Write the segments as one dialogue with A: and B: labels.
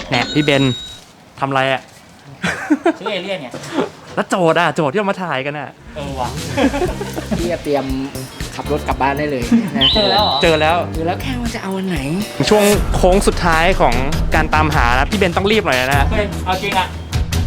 A: แหนพี่เบนทำอะไรอ่ะ
B: ชื่อเอเลี่ยนเนี่ย
A: แล้วโจทย์ที่เรามาถ่ายกันอ่ะ
B: ว่ะ
C: พี่จะเตรียมขับรถกลับบ้านได้เลยนะ
B: เจอแล้วเหรอ
A: เจอแล้ว
C: คือแล้วแค่ว่าจะเอาอันไหน
A: ช่วงโค้งสุดท้ายของการตามหานะพี่เบนต้องรีบหน่อยนะฮะ
B: เฮ้ยเอาจริงอะ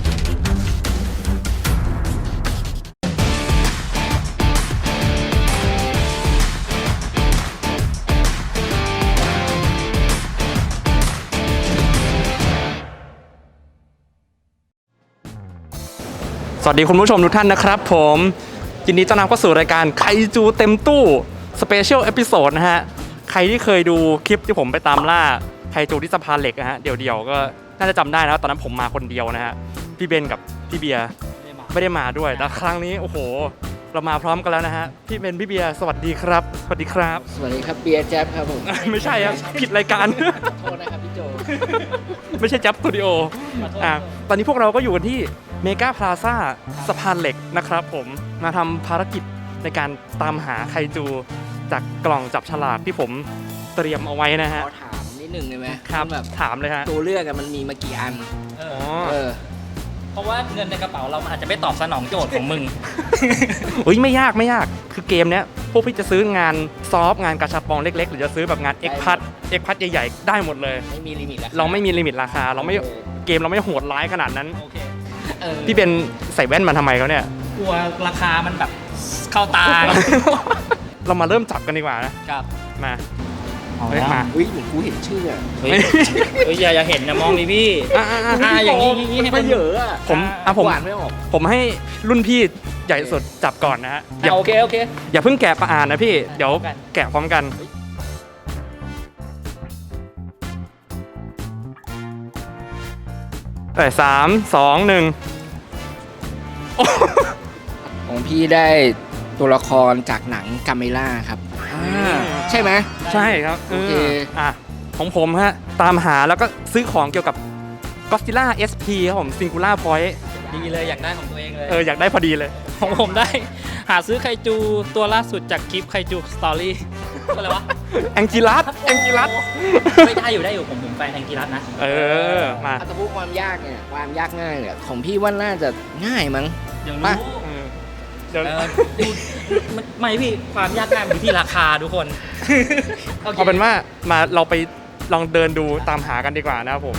A: สวัสดีคุณผู้ชมทุกท่านนะครับผมยินดีต้อนรับเข้าสู่รายการไคจูเต็มตู้สเปเชียลเอพิโซดนะฮะใครที่เคยดูคลิปที่ผมไปตามล่าไคจูที่สะพานเหล็กนะฮะเดี่ยวๆก็น่าจะจำได้นะตอนนั้นผมมาคนเดียวนะฮะพี่เบนกับพี่เบียร์ไม่ได้มาด้วยแต่ครั้งนี้โอ้โหเรามาพร้อมกันแล้วนะฮะพี่เบนพี่เบียร์สวัสดีครับสวัสดีครับ
C: สวัสดีครับเบียร์แจ๊บครับผม
A: ไม่ใช่ครับผิดรายการ
C: โทษนะครับพี่โจ
A: ไม่ใช่จับสตูดิโอตอนนี้พวกเราก็อยู่กันที่เมกาพลาซ่าสะพานเหล็กนะครับผมมาทำภารกิจในการตามหาไคจูจากกล่องจับฉลากที่ผมเตรียมเอาไว้นะฮะ
C: ขอถามนิดนึงได้ไหม
A: ครับ
C: แบบ
A: ถามเลยฮะ
C: ตัวเลือกอะมันมีมากี่อัน
A: อ๋อ
C: เออ
B: เพราะว่าเงินในกระเป๋าเรามันอาจจะไม่ตอบสนองโจทย์ของมึง
A: เฮ้ยไม่ยากคือเกมเนี้ยพวกพี่จะซื้องานซอฟต์งานกระชับปองเล็กๆ หรือจะซื้อแบบงานเอ็กพัดใหญ่ๆได้หมดเลย
C: ไม่มีลิมิตแล้ว
A: เราไม่มีลิมิตราคาเกมเราไม่โหดร้ายขนาดนั้น
B: โอเค
A: พี่เป็นใส่แว่นมาทำไมเขาเนี่ย
B: กลัวราคามันแบบเข้าตา
A: เรามาเริ่มจับกันดีกว่านะครับ มาเฮ้ยมา
C: อุ้ยเหมือนกูเห็นชื่ออะ
B: เฮ้ยอย่าเห็นนะมองดิพี่ อย่างนี้ให้
C: ไม่
B: มัน
C: เยอะอะ
A: ผม
C: หวานไม่ออก
A: ผมให้รุ่นพี่ใหญ่สุดจับก่อนนะฮะอย่า
B: โอเค
A: อย่าเพิ่งแกะประอ่านนะพี่เดี๋ยว
B: กัน
A: แกะพร้อมกันแต่3 2 1
C: ของพี่ได้ตัวละครจากหนังกาเมล่าครับใช่ไหม
A: ใช่ครับ
C: โอเค
A: ของผมฮะตามหาแล้วก็ซื้อของเกี่ยวกับ Godzilla SP ครับผม Singular Point
B: ดีเลยอยากได้ของตัวเองเลย
A: อยากได้พอดีเลย
B: ของผมได้หาซื้อไคจูตัวล่าสุดจากคลิปไคจูสตอรี่อะไรวะ
A: แองกิลัส
B: ไม่ได้อยู่ผมแฟนแองกิรัสนะ
A: มา
C: อัตราความยากเนี่ยความยากง่ายเนี่ยของพี่ว่าน่าจะง่ายมั้ง
B: เดี๋ยว
C: ป่ะ
B: รู้
A: เดี๋ยว
B: ดูไม่พี่ความยากง่ายมันอยู่ที่ราคาทุกคน
A: เอาเป็นว่ามาเราไปลองเดินดูตามหากันดีกว่านะครับผม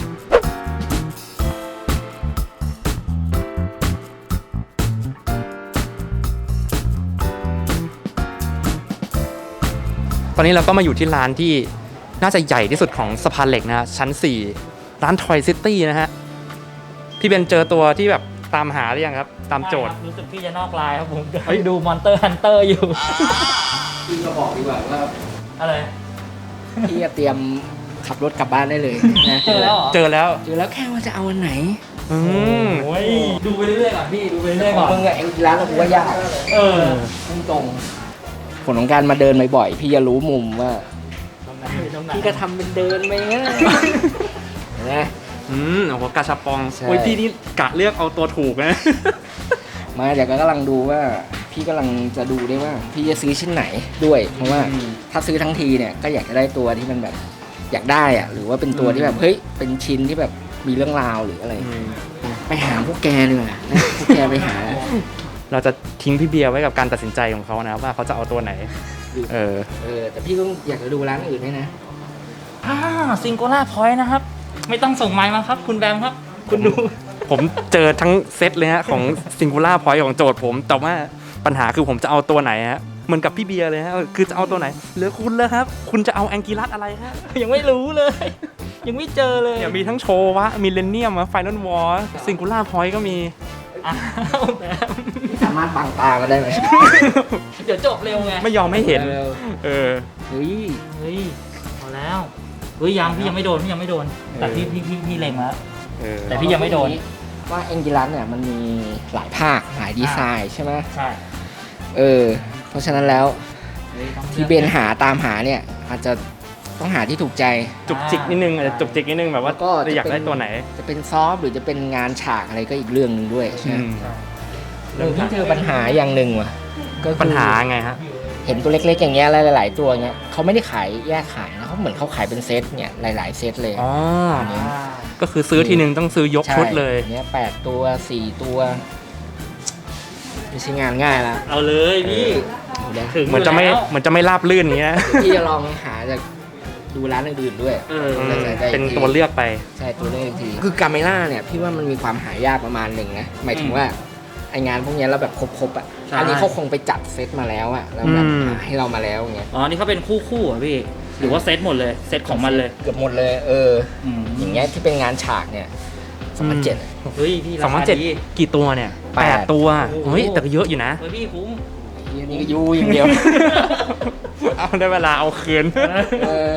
A: ตอนนี้เราก็มาอยู่ที่ร้านที่น่าจะใหญ่ที่สุดของสะพานเหล็กนะฮะชั้น 4 ร้าน Toy City นะฮะพี่เบนเจอตัวที่แบบตามหาหรือยังครับ ตามโจทย์
B: รู้สึกพี่จะนอกลายครับผมดูมอนเตอร์ฮันเตอร์อยู่
C: พี่ก็บอกดีกว่าว่า
B: อะไร
C: พี่จะเตรียมขับรถกลับบ้านได้เลยนะ
B: เจอแล้วเหรอ
A: เจอแล้ว
C: เจอแล้วแค่ว่าจะเอาอันไหน
A: อืม
B: โอ้ยดูไปเรื่อยๆก่อนพี่ดูไปเรื่อยๆ
C: ขอ
B: ก่
C: ง
B: อน
C: มึงอะเอ็งร้านเราว่ายาก ตรงผลของการมาเดินบ่อยๆพี่จะรู้มุมว่า
B: ตรงไหน
C: พี่ก็ทำเป็นเดินไปงั้นนะ
A: โอ้โหกาชาปอง
C: ใช่
A: โอ้ยพี่นี่กะเลือกเอาตัวถูกนะ
C: มาเดี๋ยวก็กำลังดูว่า พี่กำลังจะดูได้ว่า พี่จะซื้อชิ้นไหนด้วยเพราะว่าถ้าซื้อทั้งทีเนี่ยก็อยากจะได้ตัวที่มันแบบอยากได้อะหรือว่าเป็นตัวที่แบบเฮ้ยเป็นชิ้นที่แบบมีเรื่องราวหรืออะไร ไปหาพวกแกเลยนะพวกแกไปหา
A: เราจะทิ้งพี่เบียร์ไว้กับการตัดสินใจของเขานะว่าเขาจะเอาตัวไหน
C: แต่พี่ก็อยากจะดูร้านอื่นด้วยนะ
B: ซิงโกล่าพอยต์นะครับ ไม่ต้องส่งไมล์มาครับ คุณแบมครับ คุณดู
A: ผมเจอทั้งเซตเลยฮะของ Singular Point ของโจทย์ผม แต่ว่าปัญหาคือผมจะเอาตัวไหนฮะเหมือนกับพี่เบียร์เลยฮะคือจะเอาตัวไหนเหลือคุณแล้วครับ คุณจะเอาแองกิลัสอะไรฮะ
B: ยังไม่รู้เลย ยังไม่เจอเลย
A: เนี่ยมีทั้งโชวะมิเลเนียมไฟนอลวอร์Singular Point ก็มี
B: อ้าวแบม
C: สามารถบังตากันได้ไหม
B: เดี๋ยวจบเร็วไง
A: ไม่ยอมให้เห็น เออ
C: เฮ้ย
B: เฮ้ยเอาแล้วเฮ้ยพี่ยังไม่โดนพี่ยังไม่โดน แต่พี่เล็งแล้ว แต่พี่ยังไม่โดน
C: ว่าเอ็นกิลัสเนี่ยมันมีหลายภาคหลายดีไซน์ใช่ไหม
B: ใช่
C: เพราะฉะนั้นแล้วที่เบนหาตามหาเนี่ยอาจจะต้องหาที่ถูกใจ
A: จุกจิกนิดนึงอาจจะจุกจิกนิดนึงแบบว่า
C: ก็
A: จะอยากได้ตัวไหน
C: จะเป็นซอฟต์หรือจะเป็นงานฉากอะไรก็อีกเรื่องหนึ่งด้วยใช่ไหม พี่เจอปัญหาอย่างหนึ่งว่ะก็คือ
A: ปัญหาไงฮะ
C: เห็นตัวเล็กๆอย่างเงี้ยหลายๆตัวเงี้ยเขาไม่ได้ขายแยกขายนะเขาเหมือนเขาขายเป็นเซตเนี่ยหลายๆเซตเลย
A: อ๋อก็คือซื้อทีนึงต้องซื้อยกชุดเลย
C: ใช่เนี้ย8 ตัว 4 ตัวไม่ใช่งานง่ายละ
B: เอาเลยพี่
C: เดี๋ยว
B: ถึง
A: เหมือนจะไม่ราบลื่นอย่างเงี้ย
C: พี่จะลองหาจากดูร้านอื่นๆด้วย
A: เป็นตัวเลือกไป
C: ใช่ตัวเลือกอีกทีคือกาเมล่าเนี่ยพี่ว่ามันมีความหายากประมาณหนึ่งนะหมายถึงว่าไองานพวกเนี้ยเราแบบครบๆอ่ะอันนี้เขาคงไปจัดเซตมาแล้วอ่ะแล้วแบบหาให้เรามาแล้วอย่างเงี้ย
B: อ๋อนี่เขาเป็นคู่อ่ะพี่หรือว่าเซตหมดเลยเซตของมันเลย
C: เกือบหมดเลยอย่างเงี้ยที่เป็นงานฉากเนี่ย2007
B: เฮ้ยพี่ราคาดี
A: 2007กี่ตัวเนี่ย8 ตัว
B: โอ้โห
A: เฮ้ยแต่ก็เยอะอยู่นะ
B: เฮ้ยพี่คุ้ม
C: นี่ก็ยูอย่างเดียว
A: เอาได้เวลาเอาคืน
C: เออ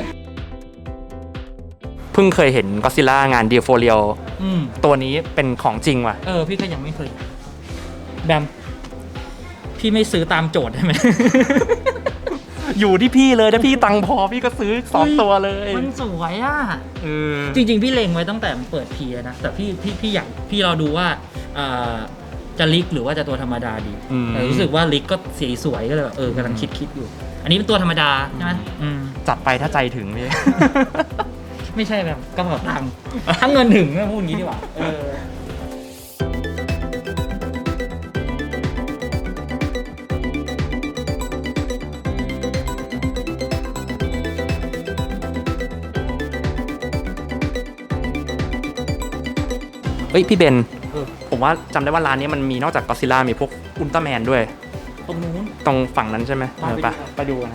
A: เพิ่งเคยเห็นก็ซิล่างานเดียโฟเรียล
B: อืม
A: ตัวนี้เป็นของจริงว่ะ
B: พี่ก็ยังไม่เคยแบมพี่ไม่ซื้อตามโจทย์ได้ไหม
A: อยู่ที่พี่เลยถ้าพี่ตังค์พอพี่ก็ซื้อ2 ตัวเลย
B: มันสวยอ่ะ
A: เออ
B: จริงๆพี่เล็งไว้ตั้งแต่มันเปิดพีนะแต่พี่อยากพี่เราดูว่าจะลิกหรือว่าจะตัวธรรมดาดีแต่รู้สึกว่าลิกก็สีสวยก็เลยแบบกำลังคิดอยู่ อันนี้เป็นตัวธรรมดาใช่ไหม
A: จัดไปถ้าใจถึงพี่
B: ไม่ใช่แบบกระเป๋าตังค์ถ้าเงินถึงก็พูดอย่างนี้ดีกว่า
A: เฮ้ยพี่เบนผมว่าจำได้ว่าร้านนี้มันมีนอกจากก็ซิล่ามีพวกอุลตร้าแมนด้วย
B: ตรงนู้น
A: ตรงฝั่งนั้นใช่ไหมไปดูนะ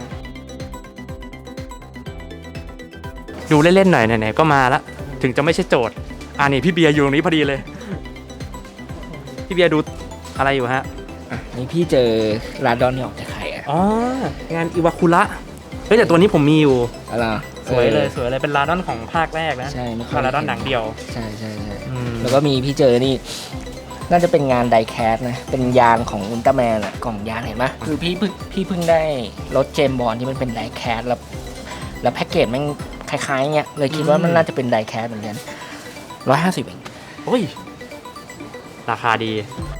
A: ดูเล่นๆหน่อยไหนๆก็มาละถึงจะไม่ใช่โจทย์นี่พี่เบียร์อยู่ตรงนี้พอดีเลย พี่เบียร์ดูอะไรอยู่ฮะ
C: นี่พี่เจอลาดอนที่ออกจากไข่อ่ะ
A: อ๋องานอิวาคุระเฮ้ยแต่ตัวนี้ผมมีอยู่
C: อะไร
A: สวยเลยเป็นลาดอนของภาคแรกนะ
C: ใช่ไม่ค่
A: ลาดอนหนังเดียว
C: ใช่แล้วก็มีพี่เจอนี่น่าจะเป็นงานไดแคสนะเป็นยานของอุลตร้าแมนอ่ะกล่องยานเห็นไหมคือพี่เพิ่งได้รถเจมส์บอนด์ที่มันเป็นไดแคสแล้วแพ็กเกจมันคล้ายๆเงี้ยเลยคิดว่ามันน่าจะเป็นไดแคสเหมือนกัน150เอง
A: โอ้ยราคาดี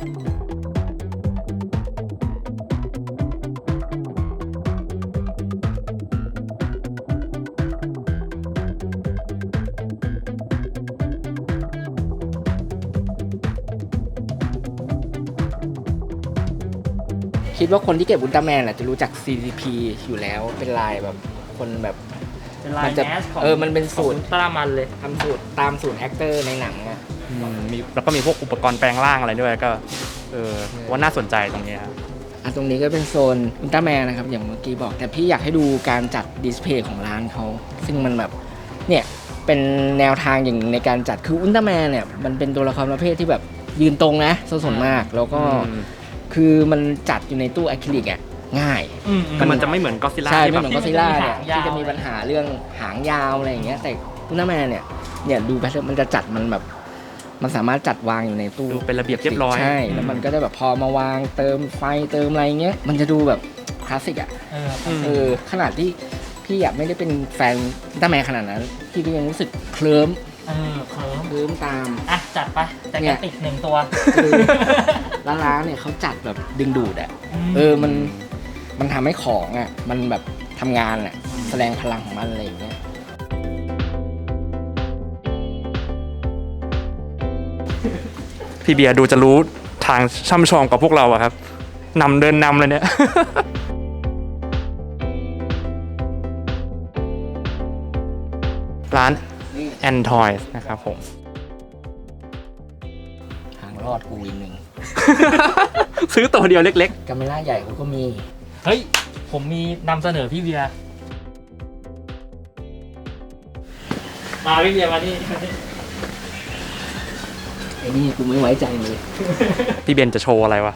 C: คิดว่าคนที่เก็บอุลตร้าแมนจะรู้จัก CCP อยู่แล้วเป็นลายแบบคนแบบ
B: เป็นลายแมสของ
C: มันเป็นสูตร
B: ตรามันเลย
C: ทำสูตรตามสูตรแอคเตอร์ในหนังอะ
A: มีแล้วก็มีพวกอุปกรณ์แปลงร่างอะไรด้วยก็ว่าน่าสนใจตรงนี้ครับ
C: ตรงนี้ก็เป็นโซนอุลตร้าแมนนะครับอย่างเมื่อกี้บอกแต่พี่อยากให้ดูการจัดดิสเพลย์ของร้านเขาซึ่งมันแบบเนี่ยเป็นแนวทางอย่างในการจัดคืออุลตร้าแมนเนี่ยมันเป็นตัวละครประเภทที่แบบยืนตรงนะส่วนมากแล้วก็คือมันจัดอยู่ในตู้อะคริลิกอ่ะง่าย
A: มันจะไม่เหมือนก็ซิล่า
C: ใช่
A: ที่
C: ไม่
A: แบบ
C: เหมือนก็ซิล่าเนี่ย
B: ที่
C: ที่
B: จะ
C: จะ
B: มี
C: มี
B: ปั
C: ปั
B: ญ
C: ญ
B: หา
C: หาเรื่องหางยาวอะไรอย่างเงี้ยแต่อุลตร้าแมนเนี่ยดูแพทเทิร์นมันจะจัดมันแบบมันสามารถจัดวางอยู่ในตู้
A: ดูเป็นระเบียบเรียบร้อย
C: ใช่แล้วมันก็จะแบบพอมาวางเติมไฟเติมอะไรเงี้ยมันจะดูแบบคลาสสิกอ่ะขนาดที่พี่อยากไม่ได้เป็นแฟนอุลตร้าแมนขนาดนั้นพี่ก็ยังรู้สึกเคลิ้ม
B: เคลิ้ม
C: เคลิ้มตาม
B: จัดไปแต่แกติด1 ตัว
C: ร้านเนี่ยเขาจัดแบบดึงดูดอ่ะมันทำให้ของอ่ะมันแบบทำงานอ่ะแสดงพลังของมันอะไรอย่างเงี้ย
A: พี่เบียร์ดูจะรู้ทางช่ำชองกับพวกเราอะครับเดินนำเลยเนี่ย ร้าน and Toys นะครับผม
C: ทางรอดกูอีกหนึ่ง
A: ซื้อตัวเดียวเล็ก
C: กาเมล่าใหญ่เขาก็มี
B: เฮ้ยผมมีนำเสนอพี่เบียร์มาพี่เบียร์มาที่
C: ไอ้นี่กูไม่ไว้ใจเลย
A: ๆ พี่เบนจะโชว์อะไรวะ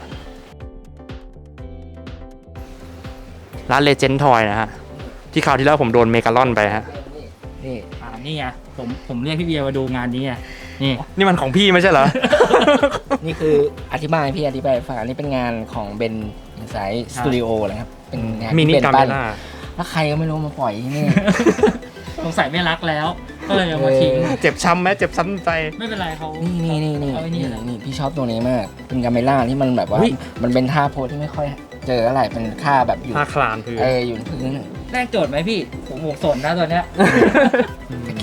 A: ร้าน Legend Toy นะฮะ ที่คราวที่แล้วผมโดนเมกาลอนไปฮะ
C: นี่
B: นี่ไงผมเรียกพี่เบียร์มาดูงานนี้ไงนี่
A: นี่มันของพี่ไม่ใช่เหรอ
C: นี่คืออธิบายฟังอันนี้เป็นงานของเบนสายสตูดิโอนะครับเป็นงาน
A: มินิ
C: ที่เบ
A: กาเม
C: ปั้น
A: ล่า
C: แล้วใครก็ไม่รู้มาปล่อยที่นี่
B: สงสัยไม่รักแล้วก็เลยเอามาทิ้ง
A: เจ็บช้ำไหมเจ็บช้ำใจ
B: ไม่เป็นไรเขา
C: นี่
B: เอาไอ้นี่เหรอ
C: นี่พี่ชอบตัวนี้มาก เป็นกาเมล่าที่มันแบบว่า
A: อุ๊ย
C: มันเป็นท่าโพสที่ไม่ค่อยเจออะไรเป็นท่าแบบอยู่
A: ผ้าคลานคือ
C: อยู่พื้น
B: แรกโจทย์ไหมพี่ผมหมวกสนนะตัวเนี้ย
C: แต่คิด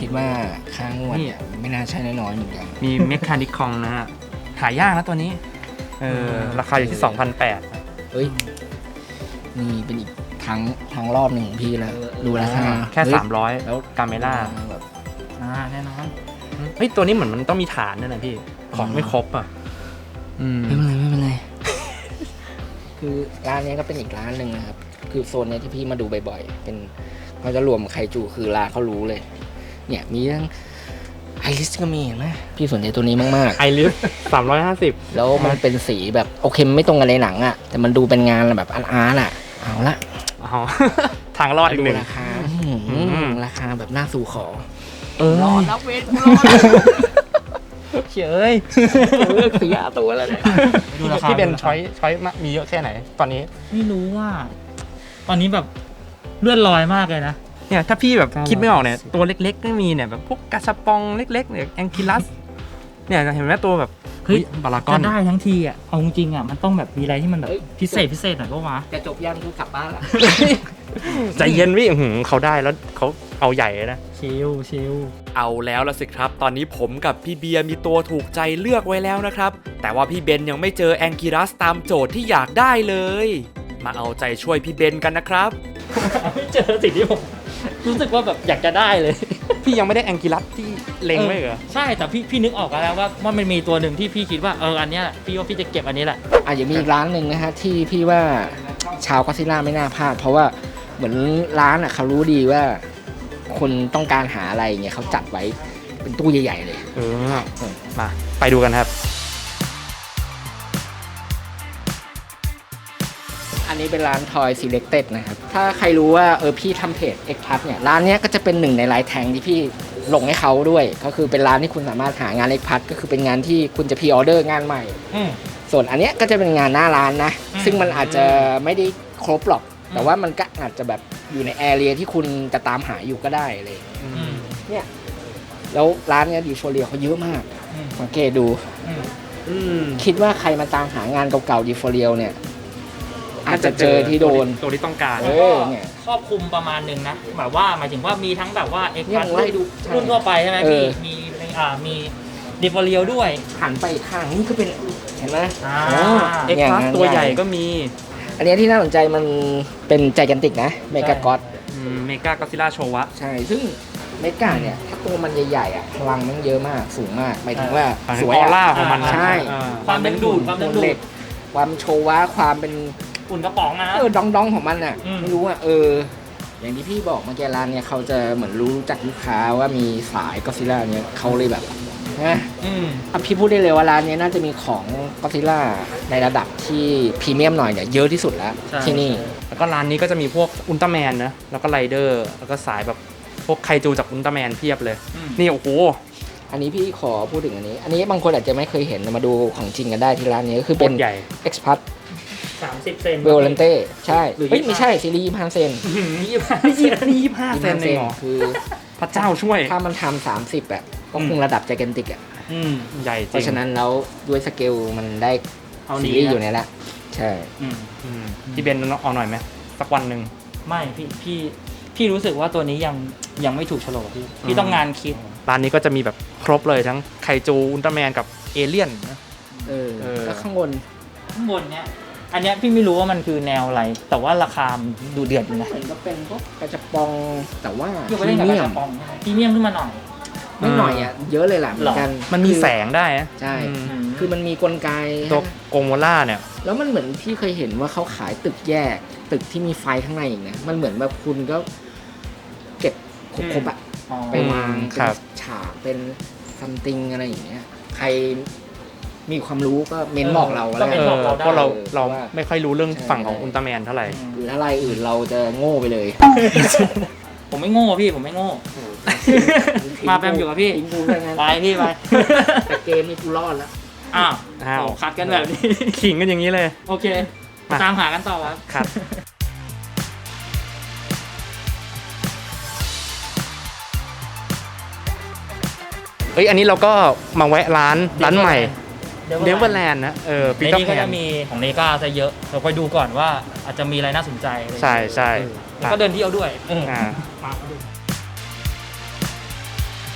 C: ดว่าค่างวด
A: นี่
C: เนี่ยไม่น่าใช่น้อยๆเหมือนกัน
A: มีเมคานิคองนะฮะหายากนะตัวนี้ราคาอยู่ที่ 2,800
C: เฮ้ยนี่เป็นอีกทางรอบหนึ่งของพี่แล้วดูราคา
A: แค่
C: เฮ้ย
A: 300 แล้วกาเมล่า
C: แบบ
B: แน่นอน
A: เฮ้ยตัวนี้เหมือนมันต้องมีฐานด้วยนะพี่ของไม่ครบอ่ะ
C: ไม่เป็นไร คือร้านนี้ก็เป็นอีกร้านหนึ่งนะครับ คือโซนเนี้ยที่พี่มาดูบ่อยๆ เป็นเขาจะรวมไคจูคือร้านเขารู้เลย เนี่ยมีเรื่องไอริสก็มีเห็นไหมพี่สนใจตัวนี้มาก
A: ไอริส350
C: ๆ แล้วมันเป็นสีแบบโอเคมันไม่ตรงกันในหนังอะแต่มันดูเป็นงานแบบอาร์ตอะเอาละ
A: อ๋อ ทางรอดอีกหนึ่ง
C: ราคาราคาแบบน่าสู่ขอ
A: รอด
C: แล้วเวทรอด
A: เฉย
C: เลือกสีตัวแล้วเนี่ย
B: ดูราคา
A: พี่เบนช้อยมีเยอะแค่ไหนตอนนี้
B: ไม่รู้ว่า ตอนนี้แบบเลื่อนลอยมากเลยนะ
A: เนี่ยถ้าพี่แบบ
B: 900
A: คิดไม่ออกเนี่ยตัวเล็กๆก็มีเนี่ยแบบพวกกาชาปองเล็กๆเนี่ยแองคิลัสเนี่ยเห็นไหมตัวแบบ
B: เฮ้ย
A: บารากอ
B: จะ
A: น
B: ได้ทั้งทีอ่ะเอาจริงๆอ่ะมันต้องแบบมีอะไรที่มันแบบพิเศษหน่อยก็วะ
C: จะจบยังคือกลับบ้านละ
A: ใจเย็นพี่เขาได้แล้วเขาเอาใหญ่เลยนะ
B: ชิล
D: เอาแล้วละสิครับ ตอนนี้ผมกับพี่เบียร์มีตัวถูกใจเลือกไว้แล้วนะครับ แต่ว่าพี่เบนยังไม่เจอแองกิรัสตามโจทย์ที่อยากได้เลย มาเอาใจช่วยพี่เบนกันนะครับ
B: ไม่เจอสิ่งที่ผมรู้สึกว่าแบบอยากจะได้เลย
A: พี่ยังไม่ได้แองกิลัสที่เล็งไว้เหรอ
B: ใช่แต่พี่นึกออกแล้วว่ามันมีตัวหนึ่งที่พี่คิดว่าอันเนี้ยพี่ว่าพี่จะเก็บอันนี้แหละ
C: อย่างมีอีกร้านหนึ่งนะฮะที่พี่ว่าชาวก็อดซิลล่าไม่น่าพลาด เพราะว่าเหมือนร้านเขารู้ดีว่า คนต้องการหาอะไรเงี้ยเขาจัดไว้เป็นตู้ใหญ่ๆเลย
A: มาไปดูกันครับ
C: อันนี้เป็นร้าน Toy Selected นะครับ ถ้าใครรู้ว่าพี่ทำเพจ X Plus เนี่ยร้านเนี้ยก็จะเป็นหนึ่งในไลน์แทงที่พี่ลงให้เขาด้วย ก็คือเป็นร้านที่คุณสามารถหางาน X Plus ก็คือเป็นงานที่คุณจะพรีออเดอร์งานใหม่ ส่วนอันเนี้ยก็จะเป็นงานหน้าร้านนะ ซึ่งมันอาจจะไม่ได้ครบหรอก แต่ว่ามันก็อาจจะแบบอยู่ในแอเรียที่คุณจะตามหาอยู่ก็ได้เลย เนี่ยแล้วร้านเนี้ยดิโชเรียเขาเยอะมากสังเกตดู คิดว่าใครมาตามหางานเก่าๆดิโฟเรียเนี่ยอาจจะเจอที่โดน
A: ตัวที่ต้องการ
C: เนี่ย
B: ครอบคลุมประมาณหนึ่งนะแบบว่าหมายถึงว่ามีทั้งแบบว่า X
C: เนี่ยผมไล่ดู
B: รุ่นทั่วไปใช่ไหมพี่มีดิฟอเรียด้วย
C: หันไปอีกข้างนี่ก็เป็นเห็นไหม
A: เอ็กซ์พลัสตัวใหญ่ก็มี
C: อันเนี้ยที่น่าสนใจมันเป็นใจแกนติกนะเมกาก็อด
A: เมกากอซิล่าโชวะ
C: ใช่ซึ่งเมกาเนี่ยถ้าตัวมันใหญ่ๆพลังมันเยอะมากสูงมากหมายถึงว่า
A: ส
C: ส
A: ว
C: วย ย
A: ออร่า
C: อะ
A: ของมันนะ
C: ใช่
B: ความดึงดูดความดึงดูด
C: เหล็กความโชวะความเป็น
B: อุ่นกระป๋องนะ
C: ดองของมันอ่ะ
B: อืม
C: ไม่รู้อ่ะอย่างที่พี่บอกเมื่อกี้ร้านเนี่ยเขาจะเหมือนรู้จักลูกค้าว่ามีสายก็ซิล่าเนี่ยเขาเลยแบบนะพี่พูดได้เลยว่าร้านเนี้ยน่าจะมีของก็ซิล่าในระดับที่พรีเมียมหน่อยเนี่ยเยอะที่สุดแล้วที่นี่
A: แล้วก็ร้านนี้ก็จะมีพวกอุลตร้าแมนนะแล้วก็ไรเดอร์แล้วก็สายแบบพวกไคจูจากอุลตร้าแมนเพียบเลย นี่โอ้โห
C: อันนี้พี่ขอพูดถึงอันนี้บางคนอาจจะไม่เคยเห็นมาดูของจริงกันได้ที่ร้านนี้ก็คือเป็น
A: ใหญ่
C: X Plus
B: 30 เซน
C: เวลเลนเต้ใช่
B: หรือ
C: เฮ้ยไม่ใช่ซีรีส์25เซน
A: 25 เซนเองเหรอ
C: คือ
A: พระเจ้าช่วย
C: ถ้ามันทำ30อ่ะก็คงระดับใจแกนติกอ่ะ
A: ใหญ่จ
C: เพ
A: ริง
C: ราะฉะนั้นแล้วด้วยสเกลมันได้
B: เอา
C: ซี
B: นี้
C: รีส์อยู่ในละใช่
A: พี่เบนเอาหน่อยไหมสักวันหนึ่ง
B: ไม่พี่รู้สึกว่าตัวนี้ยังไม่ถูกโฉลกพี่ต้องงานคิด
A: ร้านนี้ก็จะมีแบบครบเลยทั้งไคจูอุลตร้าแมนกับเอเลี่ยนนะ
C: แล้วข้างบน
B: ข้างบนเนี้ยอันเนี้ยพี่ไม่รู้ว่ามันคือแนวอะไร แต่ว่าราคามันดูเดือดอยู่นะ
C: เห็นก็เป็นพวกกระจับปองแต่ว่า
B: พี่
C: พ
B: ไป
C: รี
B: เล่นกับ
C: เมี
B: ก
C: ย
B: ระ
C: ม
B: ป๋องพรีเมียมขึ้นมาหน่อย
C: ไม่หน่อยอ่ะเยอะเลยแหละเหมือนกัน
A: มันมีแสงได้นะ
C: ใช่
A: อืม
C: คือมันมีกลไก
A: ตัวโกโมล่าเนี่ย
C: แล้วมันเหมือนที่เคยเห็นว่าเขาขายตึกแยก ตึกที่มีไฟข้างในอีกนะมันเหมือนแบบคุณก็เก็บครบๆอะ ไปวาง
A: ค
C: เป็น
A: รับ
C: ฉากเป็นซัมติงอะไรอย่างเงี้ยใครมีความรู้ก็เม้นบอกเราแล้ว
B: ก็
C: กัน
B: เม้นบอกเราได้
A: เพราะเรา
C: ว่า
A: ไม่ค่อยรู้เรื่อง
C: ใช่
A: ฝั่งของอุลตร้าแมนเท่าไหร่
C: หรือถ้ารายอื่นเราจะโง่ไปเลย
B: ผมไม่โง่พี่ผมไม่โง่ มาแปมอยู่กับพี่
C: ทิ้งกูไปงั้น
B: ไปพี่ไป
C: แต่เกมนี้กูรอดแล้ว
B: อ้าว
A: อ้าว
B: โอ้คัดกันแบบนี้
A: ขิงกันอย่างนี้เลย
B: โอเค
A: มา
B: ตามหากันต่อครับ
A: ครับ เอ้ยอันนี้เราก็มาแวะร้านใหม่เนเวอร์แลนด์นะปี
B: ใน
A: เตอ
B: นี้
A: ร์แพ
B: ก็
A: น
B: จะมีของเนก้าจะเยอะเราไปดูก่อนว่าอาจจะมีอะไรน่าสนใจอะไรอย่างเงี้ย
A: ใช่
B: แล้วก็เดินเที่ยวด้วย
A: อ่า
B: มาดู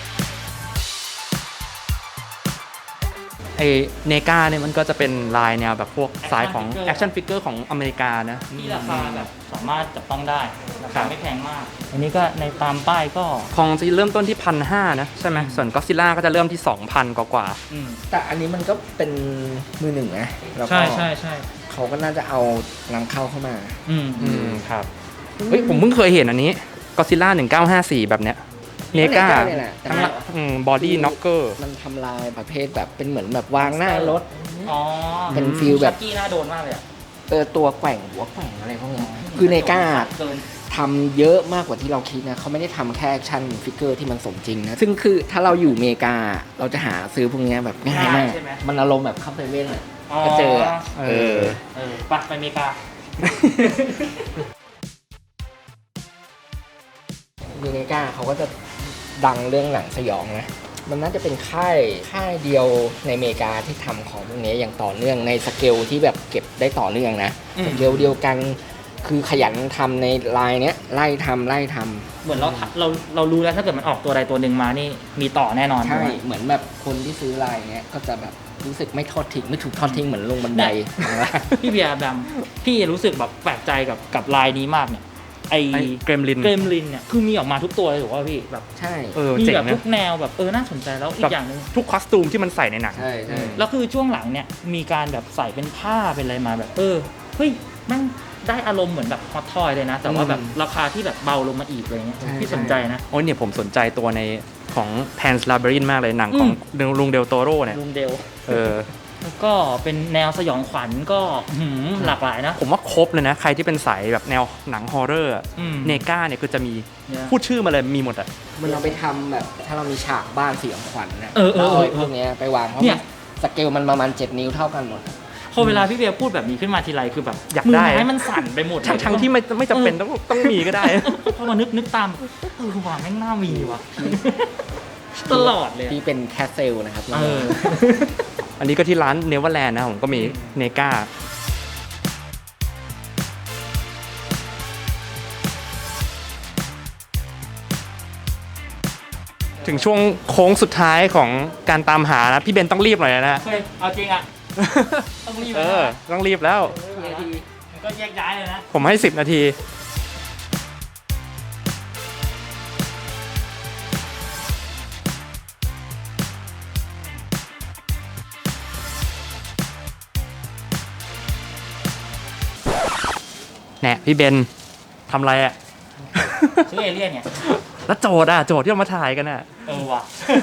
A: ไอเนกาเนี่ยมันก็จะเป็นลายแนวแบบพวกสายของ
B: Action
A: แอคชั่นฟิกเกอร์ของอเมริกานะ
B: ที่ราคาแบบสามารถจับต้องได้ราคาไม่แพงมาก อันนี้ก็ในตามป้ายก็
A: ของจะเริ่มต้นที่ 1,500 นะใช่ไหมส่วนก็ซิล่าก็จะเริ่มที่ 2,000 กว่า
C: แต่อันนี้มันก็เป็นมือหนึ่งนะแล้วก็
B: ใช่ใช่ใช่ เขา
C: เขาก็น่าจะเอานำเข้าเข้ามา
A: ครับเฮ้ยผมเพิ่งเคยเห็นอันนี้ก็ซิล่า1954 แบบเนี้ยเนกา
C: เนี่ยแหละแต่
A: ทั้งบอดี้น็อกเกอร์
C: มันทำลายประเภทแบบเป็นเหมือนแบบวางหน้ารถ
B: อ๋อ
C: เป็นฟีลแบบ
B: ชักกี้น่าโดนมากเลยอะ
C: ตัวแกว่งหัวแกว่งอะไรพวกเนี้ยคือเนกา
B: เกิน
C: ทำเยอะมากกว่าที่เราคิดนะเขาไม่ได้ทำแค่แอคชั่นฟิกเกอร์ที่มันสมจริงนะ ซึ่งคือถ้าเราอยู่อเมริกาเราจะหาซื้อพวกเนี้ยแบบง่ายมาก
B: ใช่ไหม
C: มันอารมณ์แบบเข้าเซเว่นอะก็เจออะเออ
B: ไปอเมริกา
C: มีเนกาเขาก็จะดังเรื่องหนังสยองนะ มันน่าจะเป็นค่ายเดียวในอเมริกาที่ทำของพวกนี้อย่างต่อเนื่องในสเกลที่แบบเก็บได้ต่อเนื่องนะ
B: อืม
C: สเกลเดียวกันคือขยันทำในลายเนี้ยไล่ทำ
B: เหมือนเรารู้แล้วถ้าเกิดมันออกตัวใดตัวหนึ่งมานี่มีต่อแน่นอน
C: ใช่
B: ไหม
C: เหมือนแบบคนที่ซื้อลายเนี้ยก็จะแบบรู้สึกไม่ทอดทิ้งไม่ถูกทอดทิ้งเหมือนลงบันได
B: พี่เบียร์แบมพี่รู้สึกแบบแปลกใจกับลายนี้มากเนี่ยไอ
A: ไอ้เกรมลิน
B: เกรมลินเนี่ยคือมีออกมาทุกตัวเลยถูกป่ะพี่แบบ
C: ใช่
B: มี
A: เจ๋ง
B: แบบ
A: นะ
B: ทุกแนวแบบน่าสนใจแล้วอีกอย่างหนึง
A: ทุกคอสตูมที่มันใส่ในหนัง
C: ใช่ใช่
B: แล้วคือช่วงหลังเนี่ยมีการแบบใส่เป็นผ้าเป็นอะไรมาแบบเฮ้ยแม่งได้อารมณ์เหมือนแบบฮอตทอยเลยนะ แต่ว่าแบบราคาที่แบบเบาลงมาอีกอะไรเงี้ยพี่สนใจนะ
A: โอ้ยเนี่ยผมสนใจตัวในของ Pan's Labyrinth มากเลยหนังของลุงเดลโตโร่เนี่ย
B: ลุงเดล
A: เออ
B: แล้วก็เป็นแนวสยองขวัญก็หลากหลายนะ
A: ผมว่าครบเลยนะ ใครที่เป็นสายแบบแนวหนังฮอร์เรอร์อะ
B: อืม
A: เนกาเนี่ยคือจะมี
B: เนี่ย
A: พูดชื่อมาเลยมีหมดอ่ะ
C: มันเราไปทำแบบถ้าเรามีฉากบ้านเสียงขวัญนะ
B: เออ
C: แล้วไอ้พวกเนี้ยไปวางเพราะ
B: เนี่ย
C: สเกลมันประมาณ7 นิ้วเท่ากันหมด
B: พอเวลาพี่เบียร์พูดแบบนี้ขึ้นมาทีไรคือแบบ
A: อยาก
B: มื
A: ได้
B: ไม้มันสั่นไปหมดเลย
A: ทั้งที่ไม่จำเป็นต้องมีก็ได้
B: พอมานึกตามว่าแม่งน่ามีว่ะตลอดเลยอะ
C: ที่เป็นแคสเซลนะครับ
A: อันนี้ก็ที่ร้านเนเวอร์แลนด์นะผมก็มีเนกาถึงช่วงโค้งสุดท้ายของการตามหานะ พี่เบนต้องรีบหน่อยนะ
B: เฮ้ยเอาจริงอ่ะ ต้องรีบ
A: ต้องรีบแล้ว
B: ก็แยกย้ายเลยนะ
A: ผมให้ 10 นาที แน่พี่เบนทำอะไรอ่ะ
B: ซื้อเอเลี่ยนเนี่ย
A: แล้วโจทย์ที่เรามาถ่ายกันอ่ะ
B: ว่ะ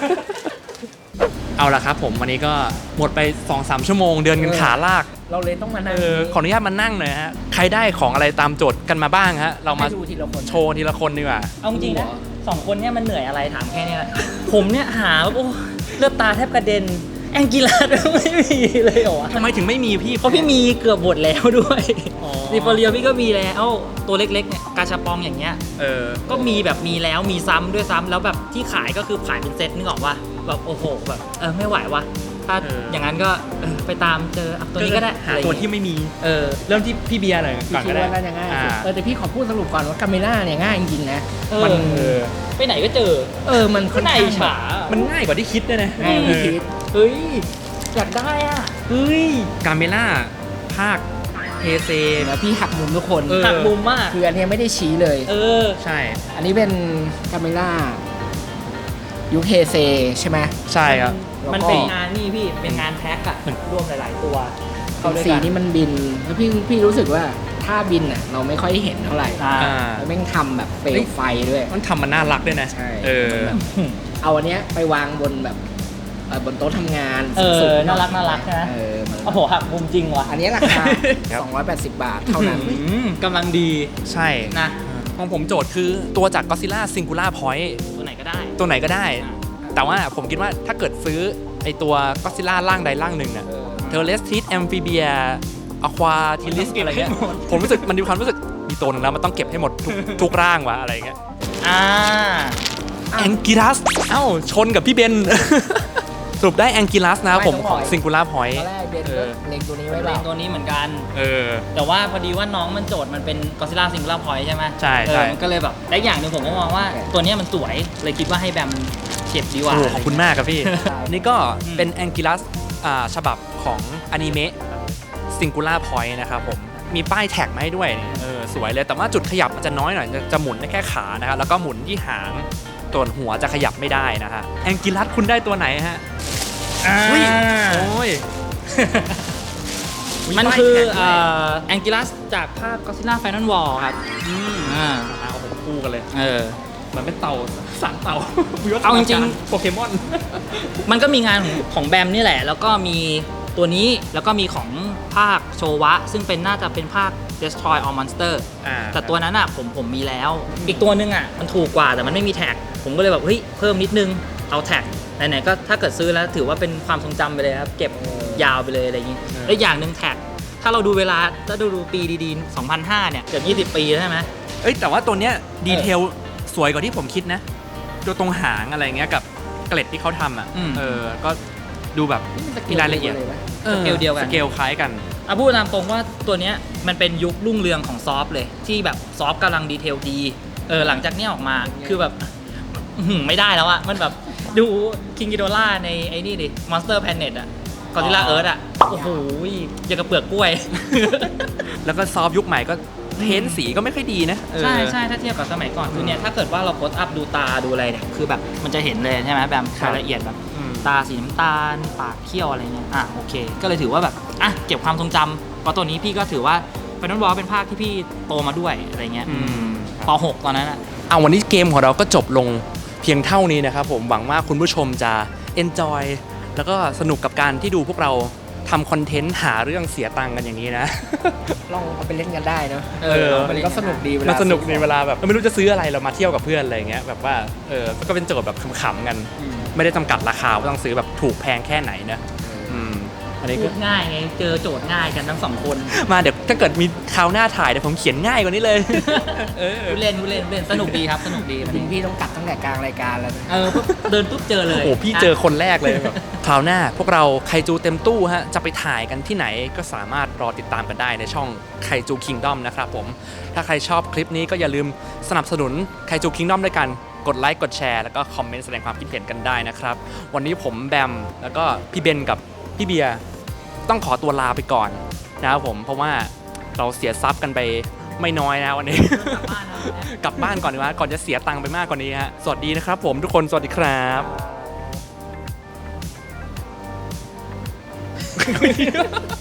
A: เอาละครับผมวันนี้ก็หมดไป 2-3 ชั่วโมงเดินกันขาลาก
C: เราเลยต้องมานั่ง
A: ขออนุญาตมานั่งหน่อยฮะ ใครได้ของอะไรตามโจทย์กันมาบ้างฮะ เรามา
C: ให้ดูทีละคน
A: โชว์ทีละคนดีกว่า
B: เอาจริงๆนะ2 คนเนี่ยมันเหนื่อยอะไรถามแค่นี้แหละผมเนี่ยหาแบบโอ้เลือดตาแทบกระเด็นแองกิลาดไม่มีเลยเหรอวะ
A: ทำไมถึงไม่มีพี่
B: เพราะพี่มีเกือบหมดแล้วด้วยซีฟอเรียพี่ก็มีแล้วตัวเล็กๆเนี่ยกาชาปองอย่างเงี้ย ก็มีแบบมีแล้วมีซ้ำด้วยซ้ำแล้วแบบที่ขายก็คือขายเป็นเซตนึกออกว่าแบบโอ้โหแบบไม่ไหววะถ้าอย่างนั้นก็ไปตามเจอตัวนี้ก็ได้
A: หาตัวที่ไม่มี เริ่มที่พี่เบียร์หน่อย
C: พี่
A: ก่อน
C: คิ
A: ก็
C: ด
A: ได้
C: ว่าน่าจะง่ายสุด
A: อ่า
C: แต่พี่ขอพูดสรุปก่อนว่าคาเมล่าเนี่ยง่ายจริงๆนะ
B: มั
C: มัน
B: ไปไหนก็เจอ
C: มันค่อน
B: ไหน
C: ข้าง
B: ฉา
A: มันง่ายกว่าที่คิดด้วยนะ
C: ง่ายกว่าที่คิด
B: เฮ้ยอยากได้อ่ะเฮ้ย
A: กาเมล่าภาคเฮเซ
C: แล้วพี่หักมุมทุกคน
B: หักมุมมาก
C: คืออันเนี้ยไม่ได้ชี้เลย
A: ใช่
C: อันนี้เป็นคาเมล่ายูเคเซใช่ไหม
A: ใช่ครับ
B: มันเป็นงานนี่พี่เป็นงานแพ็คอะรวมหลายๆตัวเข้าด้วย
C: สี
B: กัน
C: นี่มันบินแล้วพี่รู้สึกว่าถ้าบินอ่ะเราไม่ค่อยเห็นเท่าไหร่ แล้วแม่งทำแบบเปลวไฟด้วย
A: มันทำมันน่ารักด้วยนะ
C: ใช่
B: เอา
C: เอาอันเนี้ยไปวางบนแบบบนโต๊ะทำงาน
B: สูงๆ
C: หอย
B: น่ารักใช่ไหม
C: มัน
B: โอ้โหหักมุมจริงว่ะ
C: อันนี้ราคา
A: ครับ
C: 280 บาทเท่านั้น
B: กำลังดี
A: ใช่
B: นะ
A: ของผมโจทย์คือตัวจาก Godzilla Singular Point
B: ตัวไหนก็ได้
A: ตัวไหนก็ได้ แต่ว่าผมคิดว่าถ้าเกิดซื้อไอตัว Godzilla ร่างใดร่างหนึ่งน่ะ เทอร์เลสทิสแอมฟิเบียอะควาทิลิสอะไรเงี้ยผมรู้สึกมันมีความรู้สึกมีตัวหนึ่งแล้วมันต้องเก็บให้หมดทุกร่างวะอะไรเงี้ย แองกิลัสเอ้าชนกับพี่เบน สรุปได้แองกิลัสนะผมของ Singular
C: ต
A: Point
C: อนแรกเบนก็เล็งตัวนี้ไว้
B: เป็
C: เปล่า
B: นตัวนี้เหมือนกัน
A: เออ
B: แต่ว่าพอดีว่าน้องมันโจทย์มันเป็น Godzilla Singular Point ใช่ไหม
A: ใช่ใช่
B: มันก็เลยแบบและอย่างหนึ่งผมก็มองว่าตัวเนี้ยมันสวยเลยคิดว่าให้แบมเก็บดีกว่า
A: โอ้ขอบคุณมากครับพี่ นี่ก็เป็นแองกิลัสฉบับของอนิเมะ Singular Point นะครับผมมีป้ายแท็กมาให้ด้วยสวยเลยแต่ว่าจุดขยับมันจะน้อยหน่อยจะหมุนได้แค่ขานะครับแล้วก็หมุนที่หางตัวหัวจะขยับไม่ได้นะฮะแองกิลัสคุณได้ตัวไหนฮะอุ้ยโอ้ย
B: มันคือ
A: ป้ายแท็กด้วย
B: แองกิลัสจากภาค Godzilla Final War ครับอ่า
A: เอาผมคู่กันเลย มันเป็นเต่าสามเต่า
B: เอาจริง
A: โปเกมอน
B: มันก็มีงานของแบมนี่แหละ แล้วก็มีตัวนี้แล้วก็มีของภาคโชวะ ซึ่งเป็นน่าจะเป็นภาค Destroy All Monster แต่ตัวนั้นอ่ะผมมีแล้ว อีกตัวนึงอ่ะมันถูกกว่าแต่มันไม่มีแท็ก ผมก็เลยแบบเฮ้ยเพิ่มนิดนึงเอาแท็กไหนๆก็ถ้าเกิดซื้อแล้วถือว่าเป็นความทรงจำไปเลยครับเก็บยาวไปเลยอะไรอย่างนี้แล้วอย่างหนึ่งแท็กถ้าเราดูเวลาถ้าดูปีดีๆ2005เนี่ยเกือบ20 ปีแล้วใช่ไหม
A: เอ้ยแต่ว่าตัวเนี้ยดีเทลสวยกว่าที่ผมคิดนะตัวตรงหางอะไรเงี้ยกับเกล็ดที่เขาทำอ่ะก็ดูแบบมีรายละเอียด
B: สเกลเดียวกัน
A: สเกลคล้ายกัน
B: พูดตามตรงว่าตัวเนี้ยมันเป็นยุครุ่งเรืองของซอฟต์เลยที่แบบซอฟต์กำลังดีเทลดีหลังจากนี้ออกมาคือแบบไม่ได้แล้วอะมันแบบดูคิงกิโดล่าในไอ้นี่ดิ Monster Planet อะ Godzilla Earth อะโอ้โหอย่างกับเปลือกกล้วย
A: แล้วก็ซอฟต์ยุคใหม่ก็เพ้นสีก็ไม่ค่อยดีนะ
B: ใช่ใช่ถ้าเทียบกับสมัยก่อนคือเนี่ยถ้าเกิดว่าเราโพสอัพดูตาดูอะไรเนี่ยคือแบบมันจะเห็นเลยใช่ไหมแบบรายละเอียดแบบตาสีน้ำตาลปากเขี้ยวอะไรเงี้ยโอเคก็เลยถือว่าแบบเก็บความทรงจำเพราะตัวนี้พี่ก็ถือว่าFinal Warเป็นภาคที่พี่โตมาด้วยอะไรเงี้ยป .6 ตอนนั้นอะ
A: วันนี้เกมของเราก็จบลงเพียงเท่านี้นะครับผมหวังว่าคุณผู้ชมจะ enjoy แล้วก็สนุกกับการที่ดูพวกเราทำคอนเทนต์หาเรื่องเสียตังค์กันอย่างนี้นะ
C: ลองเอาไปเล่นกันได้เนาะ
A: มัน
C: ก็สนุกดีเวลา
A: มันสนุกในเวลาแบบเราไม่รู้จะซื้ออะไรเรามาเที่ยวกับเพื่อนอะไรเงี้ยแบบว่าก็เป็นโจทย์แบบขำๆกัน ไม่ได้จำกัดราคาว่าต้องซื้อแบบถูกแพงแค่ไหนนะอันนี้
B: พู
A: ก็
B: ดง่ายไงเจอโจทย์ง่ายกันทั้งสองคน
A: มาเดี๋ยวถ้าเกิดมีคราวหน้าถ่ายเดี๋ยวผมเขียนง่ายกว่านี้เลย
B: พูดเล่นสนุกดีครับสนุกดี
C: ถึงพี่ต้องตัดตั้งแต่กลางรายการแล้วนะ
B: ปุ๊บเดินปุ๊บเจอเลย
A: โอ้พี่เจอคนแรกเลยแบบคราวหน้าพวกเราไคจูเต็มตู้ฮะจะไปถ่ายกันที่ไหนก็สามารถรอติดตามกันได้ในช่องไคจูคิงดอมนะครับผมถ้าใครชอบคลิปนี้ก็อย่าลืมสนับสนุนไคจูคิงดอมด้วยกันกดไลค์กดแชร์แล้วก็คอมเมนต์แสดงความคิดเห็นกันได้นะครับวันนี้ผมแบมแล้วก็พี่เบนกับพี่เบียร์ต้องขอตัวลาไปก่อนนะครับผมเพราะว่าเราเสียทรัพย์กันไปไม่น้อยนะวันนี้ กลับบ้านก่อนดีกว่าก่อนจะเสียตังค์ไปมากกว่านี้ฮะสวัสดีนะครับผมทุกคนสวัสดีครับ